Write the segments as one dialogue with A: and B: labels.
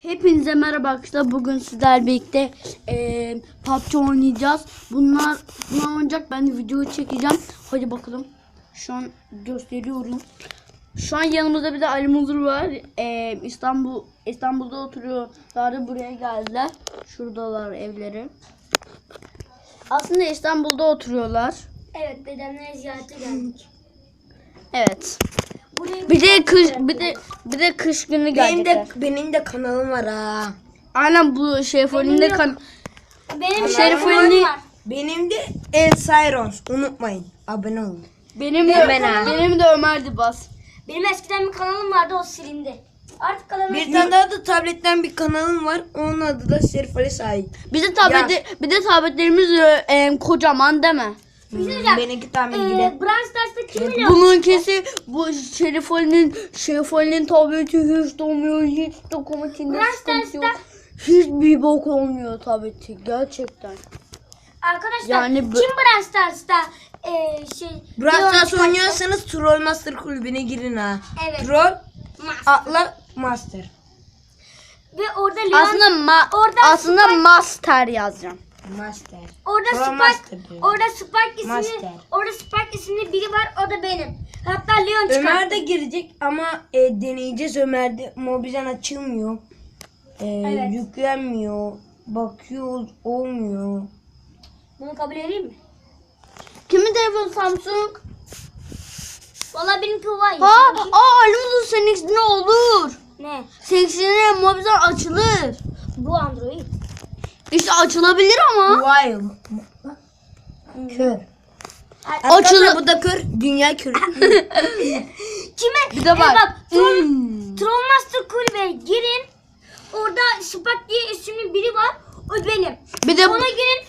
A: Hepinize merhaba arkadaşlar. Bugün sizlerle birlikte PUBG oynayacağız. Bunlar oynayacak. Ben de videoyu çekeceğim. Hadi bakalım. Şu an gösteriyorum. Şu an yanımızda bir de Ali Muzur var. İstanbul'da oturuyorlar. Buraya geldiler. Şuradalar evleri. Aslında İstanbul'da oturuyorlar.
B: Evet, dedemlere ziyarete geldik.
A: Evet.
B: Buraya
A: Bir de kış günü gelecekler.
C: Benim de kanalım var ha.
A: Aynen bu Şerifoli'nin de
B: benim
A: Şerifoli'nin
B: var.
C: Benim de El Cyrons. Unutmayın. Abone olun.
A: benim de Ömer Dibas.
B: Benim eskiden bir kanalım vardı, o silindi. Artık kanalım
C: Bir tane daha da tabletten bir kanalım var. Onun adı da Şerif Ali Sahip.
A: Bir de tabletlerimiz kocaman değil mi?
C: Benimki tam ilgili.
B: Brawl Stars'ta kim biliyor?
A: Bununkisi bu Şerifoli'nin tableti hiç dolmuyor, hiç dokunmatikinde sıkıntı yok. Hiçbir bok olmuyor tableti gerçekten.
B: Arkadaşlar
A: Yani
B: kim Brawl Stars'ta
C: Brawl
B: Leon
C: Stars
B: çıkarttı?
C: oynuyorsanız Troll Master kulübüne girin ha.
B: Evet.
C: Troll
B: Master.
C: atla Master.
B: Ve orada Leon
A: Aslında Master yazacağım.
C: Master.
B: orada
C: Troll
B: Spike
C: Master diyor.
B: Master. Orada Spike isimli biri var, o da benim. Hatta Leon çıkarttı.
C: Ömer de girecek ama deneyeceğiz. Ömer'de Mobizen açılmıyor.
B: Evet.
C: Yüklenmiyor. Bakıyoruz olmuyor.
B: Bunu kabul edeyim mi?
A: Kimin telefonu Samsung?
B: Vallahi benimki var.
A: Ali Muzur seninkisi ne olur?
B: Ne?
A: Seninkisine mobizen açılır.
B: Bu Android.
A: İşte açılabilir ama.
C: Wild. Kör.
A: Açılır.
C: Arkadaşlar bu da kör. Dünya körü.
B: Kime?
A: Bir de bak.
B: Bak, Troll Master kulübe girin. Orada Spike diye isimli biri var. O benim.
A: Bir de
B: Ona girin.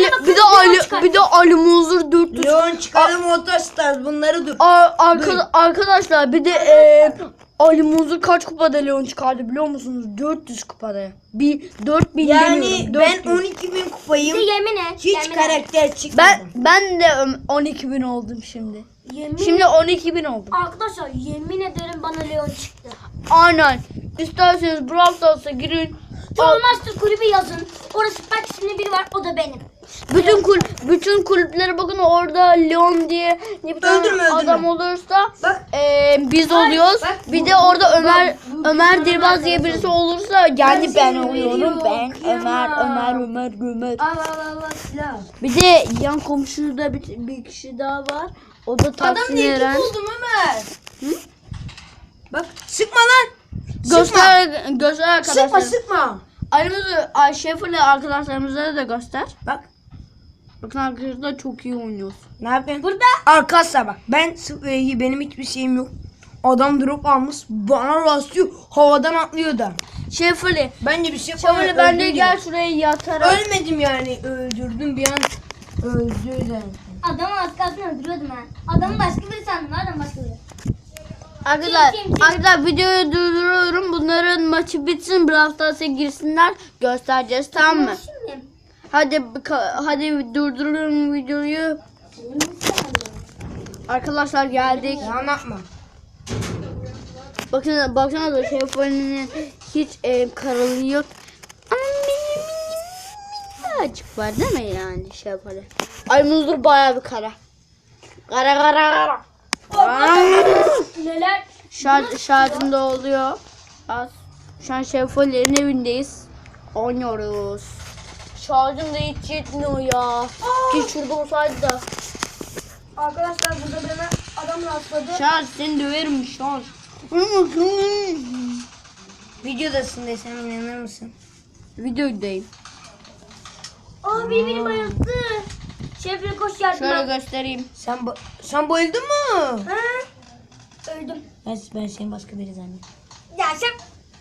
A: bir de Ali Muzur 400.
C: Leon çıkarım Otostars. Bunları dur.
A: Arkadaşlar bir de Ali Muzur kaç kupada Leon çıkardı biliyor musunuz? 400 kupada. 4000
C: Yani
A: demiyorum.
C: ben
A: 400.
C: 12.000
B: Bir de
C: kupayım.
B: yemin et.
C: Hiç
B: yemin et.
C: karakter çıkmadım.
A: Ben de 12.000 oldum şimdi.
B: Yemin
A: Şimdi 12.000 oldum.
B: Arkadaşlar yemin ederim bana Leon çıktı.
A: Aynen. İsterseniz Brawl Stars'a girin.
B: Troll Master kulübü yazın. Orada Spike isimli biri var. O da benim.
A: Bütün kulüplere bakın, orada Leon diye bir tane
C: Öldürme.
A: adam olursa
C: Bak.
A: biz oluyoruz.
C: bak,
A: Bir
C: bu-
A: de orada
C: bak,
A: Ömer
C: bu-
A: Dirbaz diye birisi olursa yani ben
C: seni
A: oluyorum.
C: veriyorum,
A: Ben
C: kıyamam.
A: Ömer.
C: Allah silah.
A: Bir de yan komşuda bir kişi daha var. O da
C: Adam
A: Tahsin
C: niye
A: Eren.
C: buldum Ömer? Bak sıkma lan.
A: Göster arkadaşlar.
C: Sıkma.
A: Ayrımızı Şefir'le arkadaşlarımıza da göster.
C: Bak.
A: Bakın arkadaşlar çok iyi oynuyoruz.
C: Ne yapıyorsun? Burada. Arkadaşlar bak. Benim hiçbir şeyim yok. Adam drop almış. Bana rastlıyor. Havadan atlıyor da.
A: Şefir'le.
C: Bence bir şey yapamam.
A: Şefir'le ben de gel şuraya yatarak.
C: Ölmedim yani. Öldürdüm bir an. Öldü.
B: Adamı az kalsın öldürüyordum ha. Adamı başka biri sandım. Adam başka biri.
A: Arkadaşlar videoyu durduruyorum. Bunların maçı bitsin. Brawl Stars'a girsinler. Göstereceğiz, tamam mı?
B: Şimdi.
A: Hadi durduruyorum videoyu. Arkadaşlar geldik.
C: Anlatma.
A: Baksana da Şefir'in hiç karalığı yok. Ama minicik var değil mi yani Şefir'in? Ay Muzur bayağı bir kara. Kara.
B: Neler?
A: Şarjım da oluyor. Az. Şu an Şefir'in evindeyiz. Oynuyoruz. Şarjım da hiç yetmiyor ya. Ki şurada olsaydı da.
B: Arkadaşlar burada bana adam rastladı.
A: Şarj seni döverim şarj.
C: Videodasın desem inanır mısın?
A: Videodayım.
B: Aa biri bayıldı. Şefre koş yardıma.
A: Şöyle göstereyim.
C: Sen bayıldın mı?
B: Ha? Öldüm.
C: Ben seni başka biri zannettim.
B: Ya şef.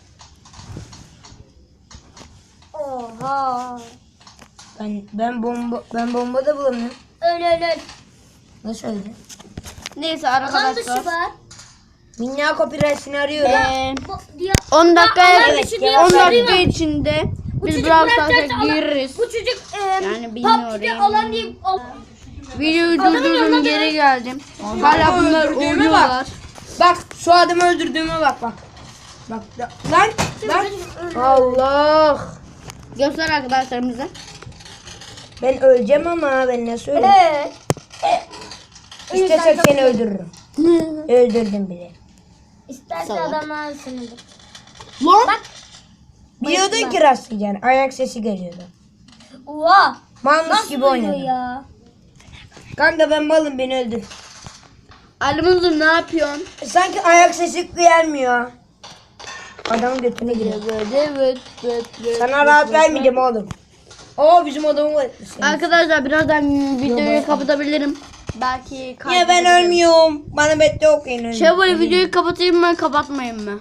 B: Oha.
C: Ben bomba da bulamıyorum.
B: Öl.
C: Nasıl öldü?
A: Neyse
B: Alan dışı
A: arkadaşlar.
B: var.
C: Minna copyright'ini arıyorum.
A: 10 dakika
B: alan dışı diye
A: 10 dakika
B: arıyorum.
A: içinde
B: Bu
A: biz
B: çocuk
A: Brawl
B: bırakacaksa
A: Stars'a gireriz.
B: Bu çocuk
A: Yani bilmiyorum.
B: PUBG'de alan diye
A: Videoyu
B: Adamın
A: durdurdum,
B: yanına
A: geri geldim. Hala bunlar
C: öldürdüğüme
A: oynuyorlar.
C: Bak şu adamı öldürdüğüme bak. Bak lan. Allah.
A: Göster arkadaşlarımıza.
C: Ben öleceğim ama ben nasıl öleyim? İstesek seni öldürürüm. Öldürdüm bile.
B: İsterse
A: Salak.
B: adamlar sınırlı.
A: Lan.
B: Bak.
C: Biliyordun ki rastlayacaksın. Ayak sesi geliyordu.
B: Oha.
C: Malmış
B: Nasıl
C: gibi
B: duyuyor
C: oynadın.
B: ya?
C: Kanka ben malım, beni öldür.
A: Alimuzur ne yapıyorsun?
C: Sanki ayak sesi gelmiyor. Adamın götüne giriyor. Sana rahat vermeyeceğim oğlum. Oo bizim adamı var.
A: Arkadaşlar birazdan videoyu kapatabilirim. Belki
C: Niye ben
A: kaydedebilirim.
C: ölmüyorum? Bana bette okuyun.
A: Şevval videoyu kapatayım mı kapatmayayım mı?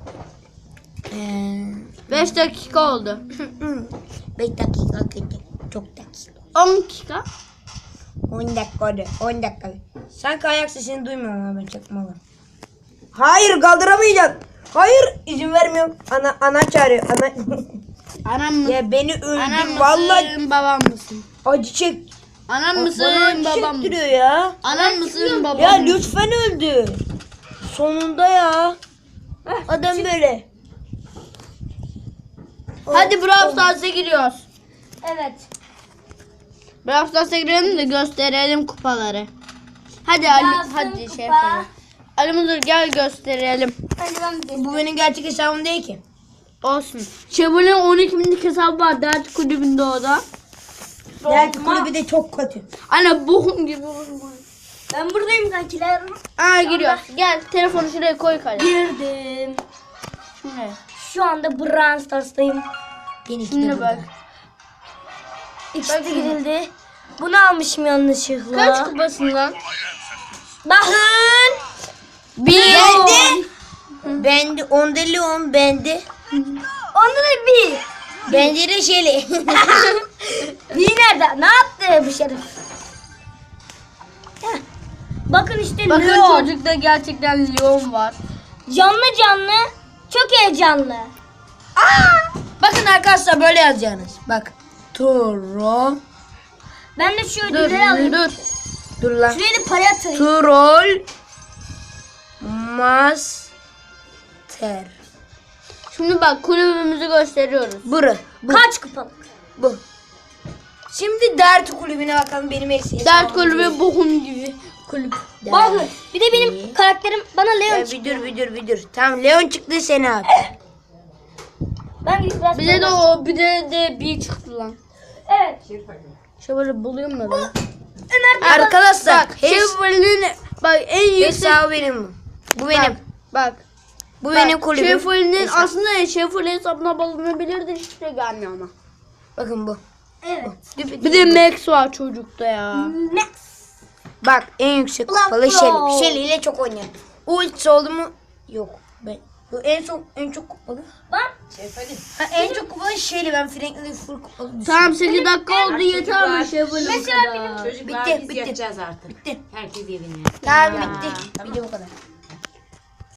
A: 5 dakika oldu.
C: 5 dakika kötü. Çok dakika.
A: 10 dakika.
C: 10 dakika oldu. 10 dakika. Sanki ayak sesini duymuyorum ama ben çakmalı. Hayır kaldıramayacağım. Hayır izin vermiyorum. Ana çağırıyor. Ana.
A: Anam mı?
C: Ya beni
A: Anam
C: öldür
A: mısın
C: vallahi.
A: babam mısın?
C: Acı çek.
A: Anam mısın
C: Bana acı
A: babam mısın?
C: çektiriyor ya.
A: Anam mısın babam
C: Ya
A: mısın?
C: lütfen öldü. Sonunda ya. Adam böyle.
A: Hadi Brawl Stars'a giriyoruz.
B: Evet.
A: Brawl Stars'a girelim de gösterelim kupaları. Hadi Ali,
B: Yazdım
A: hadi
B: kupa.
A: şey yapalım. Alimuzur gel gösterelim.
B: Hadi ben bir
C: Bu benim gerçek hesabım değil ki.
A: Olsun. Şevval'in 12.000'lik hesabı var dert kulübünde o da.
C: Diğer kulübü de çok kötü.
A: Anne bohum gibi.
B: Ben buradayım kankiler.
A: Aa giriyor. Gel telefonu şuraya koy kale.
B: Girdim.
A: Şuraya.
B: Şu anda Brawl Stars'tayım.
C: Benimki de
A: Şimdi
C: burada.
A: bak.
B: İkisi de girildi. Bunu almışım yanlışlıkla.
A: Kaç kupasından?
B: Bakın.
C: Bende. Bende. Onda Leon bende.
B: Onda da bir.
C: Bende de Şeli.
B: Bir nerede? Ne yaptı bu şerif? Heh. Bakın işte
A: Bakın
B: Leon.
A: çocukta gerçekten Leon var.
B: Canlı canlı. Çok heyecanlı.
C: Bakın arkadaşlar böyle yazacaksınız. Bak. Troll.
B: Ben de şu
A: Dur
B: ödülleri alayım.
A: dur.
C: Dur lan.
B: Şuraya da para atayım.
C: Troll. Master.
A: Şimdi bak kulübümüzü gösteriyoruz.
C: Buru.
B: Kaç kupalık?
C: Bu. Şimdi dert kulübüne bakalım benim eksiğim.
A: Dert kulübü bohum gibi kulüp.
B: Bakın. Bir de benim karakterim bana Leon
C: Ya
B: çıktı.
C: bir dur. Tamam Leon çıktı seni abi.
B: Ben gidip biraz
A: Bir de o bir de bir çıktı lan.
B: Evet.
A: Şevval'i bulayım mı ben?
B: Ömer
C: Arkadaşlar
A: Bak Şevval'in bak en yüksek.
C: hesabı benim bu. Bu benim.
A: Bak.
C: Bu benim kulübüm.
A: Şevval'in
C: Hesap.
A: aslında Şevval'in hesabına bulunabilirdi hiç de gelmiyor ama.
C: Bakın bu.
B: Evet.
A: Bir de Max var çocukta ya.
B: Max.
C: Bak en yüksek
B: Ulan
C: kupalı
B: pro.
C: Shelly. Shelly ile çok oynuyorum. Ultisi oldu mu? Yok. Ben. Bu en çok kupalı.
B: Bak.
C: Ha, en çok kupalı Shelly. Ben Franklin'i full kupalı düşünüyorum.
A: Tamam 8 dakika oldu yeter mi Şevval'in
B: Mesela
A: kadar?
D: Çocuklar
C: Bitti,
D: biz
C: bitti.
D: yapacağız artık.
C: Bitti.
D: Herkes evine.
C: Tamam bitti. Video bu kadar.